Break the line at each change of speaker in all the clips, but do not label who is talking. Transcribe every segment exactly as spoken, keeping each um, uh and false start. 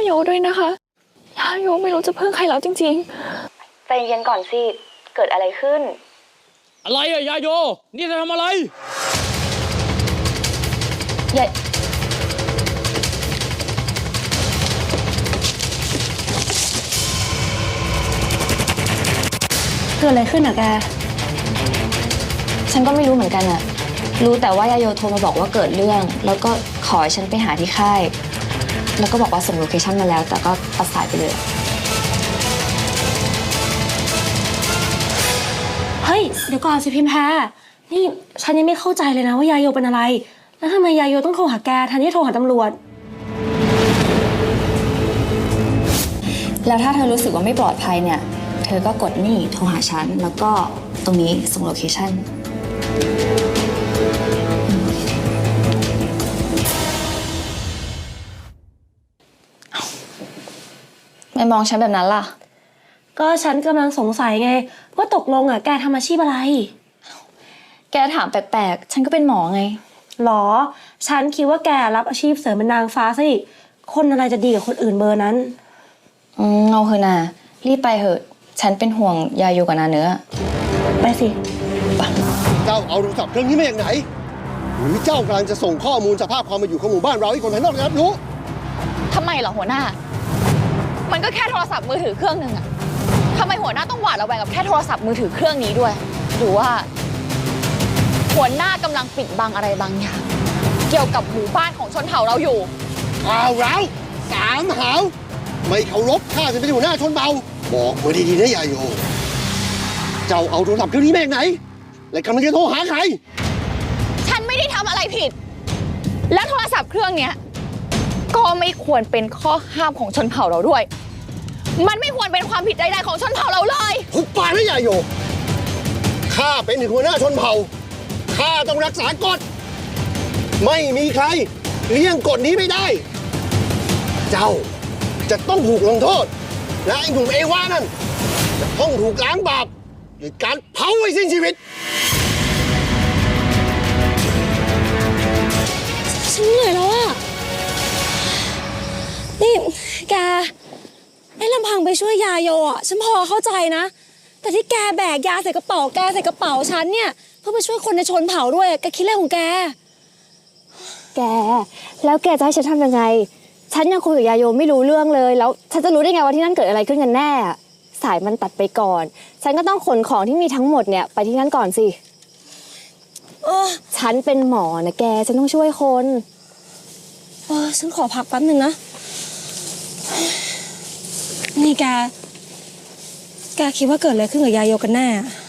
โยด้วยนะคะยาโยไม่รู้จะพึ่งใครแล้วจริง
ๆใจเย็นก่อนสิเกิดอะไรขึ้น
อะไรอะยาโยนี่จะทำอะไร
ยาเกิดอะไรขึ้นอะแกฉันก็ไม่รู้เหมือนกันอะรู้แต่ว่ายาโยโทรมาบอกว่าเกิดเรื่องแล้วก็ขอให้ฉันไปหาที่ค่ายแล้วก็บอกว่าส่งโลเคชั่นมาแล้วแต่ก็ตัดสายไปเลย
เฮ้ยเดี๋ยวก่อนสิพิมพ์แพ้นี่ฉันยังไม่เข้าใจเลยนะว่ายาโยเป็นอะไรแล้วทำไมยาโยต้องโทรหาแกแทนที่โทรหาตำรวจ
แล้วถ้าเธอรู้สึกว่าไม่ปลอดภัยเนี่ยเธอก็กดนี่โทรหาฉันแล้วก็ตรงนี้ส่งโลเคชั่นไม่มองฉันแบบนั้นล่ะ
ก็ฉันกำลังสงสัยไงว่าตกลงอ่ะแกทำอาชีพอะไร
แกถามแปลกๆฉันก็เป็นหมอไง
หรอฉันคิดว่าแกรับอาชีพเสริมเป็นนางฟ้าซะอีกคนอะไรจะดีกับคนอื่นเบอร์นั้น
อืมเอาเถอะนะรีบไปเถอะฉันเป็นห่วงยาโยกับนาเนื้อ
ไปสิ
เจ้าเอาโทรศัพท์เครื่องนี้มาจากไหนหรือเจ้ากำลังจะส่งข้อมูลสภาพความเป็นอยู่ของหมู่บ้านเราให้คนภายนอกได้รับรู้
ทำไมเหรอหัวหน้ามันก็แค่โทรศัพท์มือถือเครื่องหนึ่งอะทำไมหัวหน้าต้องหวาดระแวงกับแค่โทรศัพท์มือถือเครื่องนี้ด้วยหรือว่าหัวหน้ากำลังปิดบังอะไรบางอย่างเกี่ยวกับหมู่บ้านของชนเผ่าเราอยู่
อ้าวแล้วสามหาวไม่เคารพข้าจะเป็นหัวหน้าชนเผ่าบอกมาดีๆนะยาโยเจ้าเอาโทรศัพท์เครื่องนี้มาจากไหนและกำลังจะโทรหาใคร
ฉันไม่ได้ทำอะไรผิดและโทรศัพท์เครื่องนี้ก็ไม่ควรเป็นข้อห้ามของชนเผ่าเราด้วยมันไม่ควรเป็นความผิดใดๆของชนเผ่าเราเลย
หุบปากนะยาโยข้าเป็นถึงหัวหน้าชนเผ่าข้าต้องรักษากฎไม่มีใครเลี่ยงกฎนี้ไม่ได้เจ้าจะต้องถูกลงโทษและไอ้หนุ่มเอวานั่นจะต้องถูกล้างบาปด้วยการเผาให้สิ้นชีวิต
ฉันเหนื่อยแล้วอะนี่แกไอ้ลำพังไปช่วยยาโยอ่ะฉันพอเข้าใจนะแต่ที่แกแบกยาใส่กระเป๋าแกใส่กระเป๋าฉันเนี่ยเพื่อไปช่วยคนในชนเผ่าด้วยแกคิดอะไรของแก
แกแล้วแกจะให้ฉันทำยังไงฉันยังคุยกับยาโยไม่รู้เรื่องเลยแล้วฉันจะรู้ได้ไงว่าที่นั่นเกิดอะไรขึ้นกันแน่สายมันตัดไปก่อนฉันก็ต้องขนของที่มีทั้งหมดเนี่ยไปที่นั่นก่อนสิฉันเป็นหมอนะแกฉันต้องช่วยคน
เออฉันขอพักแป๊บนึงนะนี่แกแกคิดว่าเกิดอะไรขึ้นกับยาโยกันแน่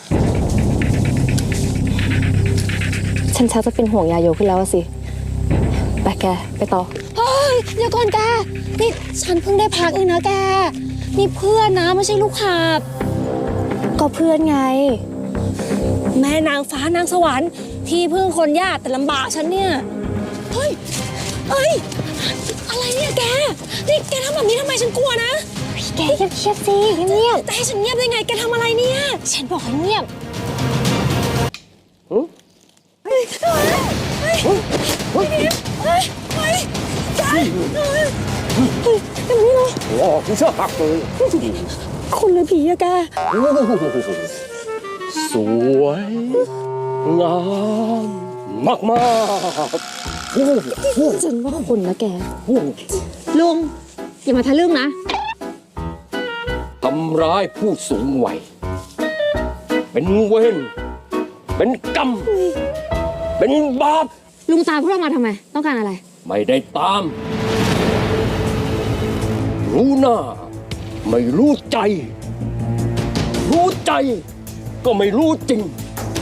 ฉันชักจะเป็นห่วงยาโยขึ้นแล้วสิไปแกไปต่อ
เฮ้ยเดี๋ยวก่อนแกนี่ฉันเพิ่งได้พักเองนะแกนี่เพื่อนนะไม่ใช่ลูกหาบ
ก็เพื่อนไง
แม่นางฟ้านางสวรรค์ที่พึ่งคนยากแต่ลำบากฉันเนี่ยเฮ้ยเอ้ยอะไรเนี่ยแกนี่แกทำแบบนี้ทำไมฉันกลัวนะ
แกเงียบเงียบสิเงียบ
แต่ให้ฉันเงียบได้ไงแกทำอะไรเนี่ย
ฉันบอกให้เงียบ
เฮ้ยเฮ้ยเฮ้ยเฮ้ยเฮ้ยเฮ้ยแกเฮ้ยแกนี่เลย
โอ้คุณเชื่อปักเลย
คนหรือผีอะแก
สวยงามมากมาก
ฉันว่าคนนะแก
ลุงอย่ามาทะลึ่งนะ
ทำร้ายผู้สูงวัยเป็นเวรเป็นกรรมเป็นบาป
ลุงตามพวกเรามาทำไมต้องการอะไร
ไม่ได้ตามรู้หน้าไม่รู้ใจรู้ใจก็ไม่รู้จริง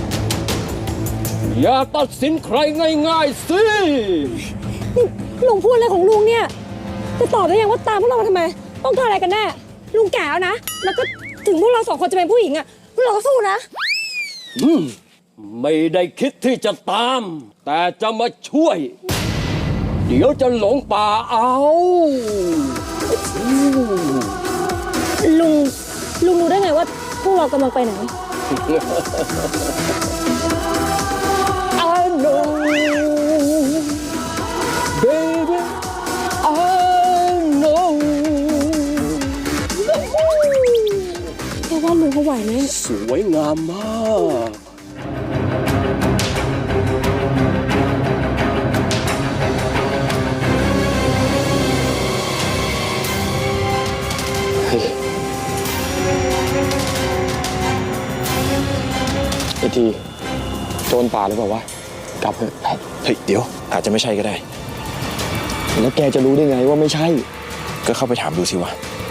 อย่าตัดสินใครง่ายๆสิ
ลุงพูดอะไรของลุงเนี่ยจะตอบได้ยังว่าตามพวกเรามาทำไมต้องการอะไรกันแน่ลุงแก่แล้วนะแล้วก็ถึงพวกเราสองคนจะเป็นผู้หญิงอ่ะพวกเราก็สู้นะ
อืมไม่ได้คิดที่จะตามแต่จะมาช่วยเดี๋ยวจะหลงป่าเอา
ลุงลุงรู้ได้ไงว่าพวกเรากำลังไปไหน
I know baby I know
ไหม
สวยงามมาก
ไอทีโจรป่าหรือเปล่าวะกลับเถอะ
เฮ้ย เดี๋ยว อาจจะไม่ใช่ก็ได้
แล้วแกจะรู้ได้ไงว่าไม่ใช่
ก็เข้าไปถามดูสิวะ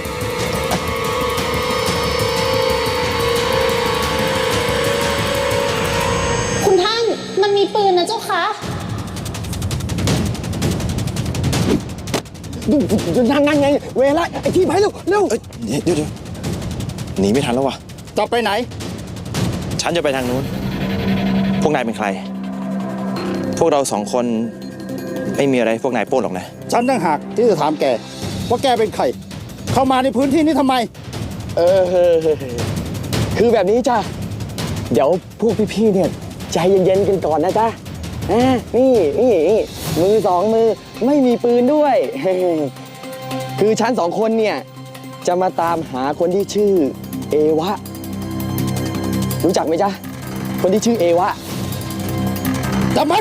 คุณท่านมันมีปืนนะเจ้าคะ
นั่นนั่นไง เวลาไอทีไปเร็วเร็ว
เอ้ย เดี๋ยวเดี๋ยวหนีไม่ทันแล้ววะ
จะไปไหน
ฉันจะไปทางนู้น พวกนายเป็นใคร พวกเราสองคนไม่มีอะไรพวกนายโป้นหรอกนะ
ฉันตั้งหากที่จะถามแก ว่าแกเป็นใคร เข้ามาในพื้นที่นี้ทำไม
เออคือแบบนี้จ้ะเดี๋ยวพวกพี่ๆเนี่ยใจเย็นๆกันก่อนนะจ๊ะอ่านี่นี่นี่มือสองมือไม่มีปืนด้วย คือฉันสองคนเนี่ยจะมาตามหาคนที่ชื่อเอวะ รู้จักไหมจ๊ะคนที่ชื่อเอวะ
จับมัน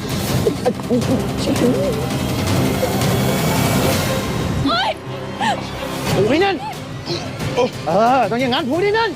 โอ้ยนั่น
เออ ต้องอย่างนั้นพูดที่นั่น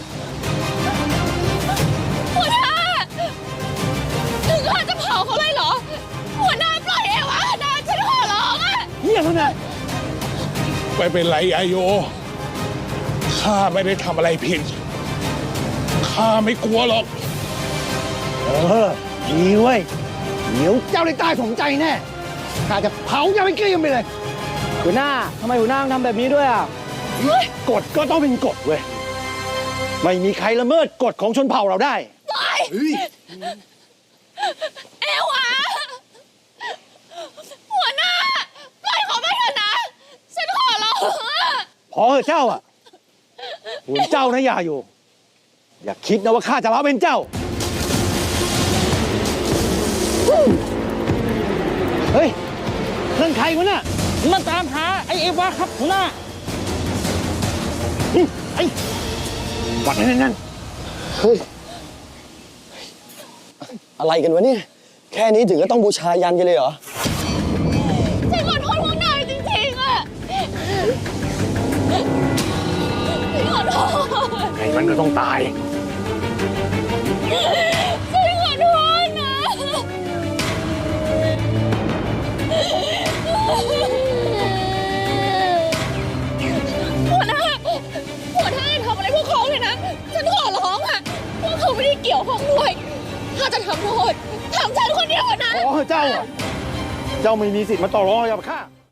หัวหน้า ถึงขั้นจะเผาเขาเลยเหรอ หัวหน้าปล่อยเอวะนะฉันขอร้องอะ
เงียบแล้วนะ
ไม่เป็นไรอาโย ข้าไม่ได้ทำอะไรผิด ข้าไม่กลัวหรอก
เออดีเว้ย เดี๋ยวเจ้าได้ตายสมใจแน่ ข้าจะเผาเจ้าไปเกลี้ยงไปเลย
หัวหน้าทำไมหัวหน้าต้องทำแบบนี้ด้วยอ่ะ
กฎก็ต้องเป็นกฎเว้ย ไม่มีใครละเมิดกฎของชนเผ่าเราได้
เอวะหัวหน้า ปล่อยเขาไปเถอะนะ ฉันขอร้องอะ
พอเถอะเจ้าอ่ะส่วนเจ้านะอย่าอยู่ อย่าคิดนะว่าข้าจะมาเป็นเจ้า เฮ้ยนั่นใครวะน่ะมาตามหาไอ้เอวะครับหัวหน้าอืมไอ้วัดนั่นนั่น
เฮ้ย อะไรกันวะเนี่ย แค่นี้ถึงก็ต้องบูชายันกันเลยเหรอ
ฉันขอโทษพวกนายจริงๆอะฉันขอโทษ
ไงมันก็ต้องตาย
ฉันขอโทษนะหัวหน้าหัวหน้าอย่าทำอะไรพวกเขาเลยนะ ฉันขอร้องอะพวกเขาไม่ได้เกี่ยวข้องด้วย ถ้าจะทำโทษทำฉันคนเดียวนะ
พอเถอะเจ้าอ่ะ เจ้าไม่มีสิทธิ์มาต่อรองอะไรกับข้า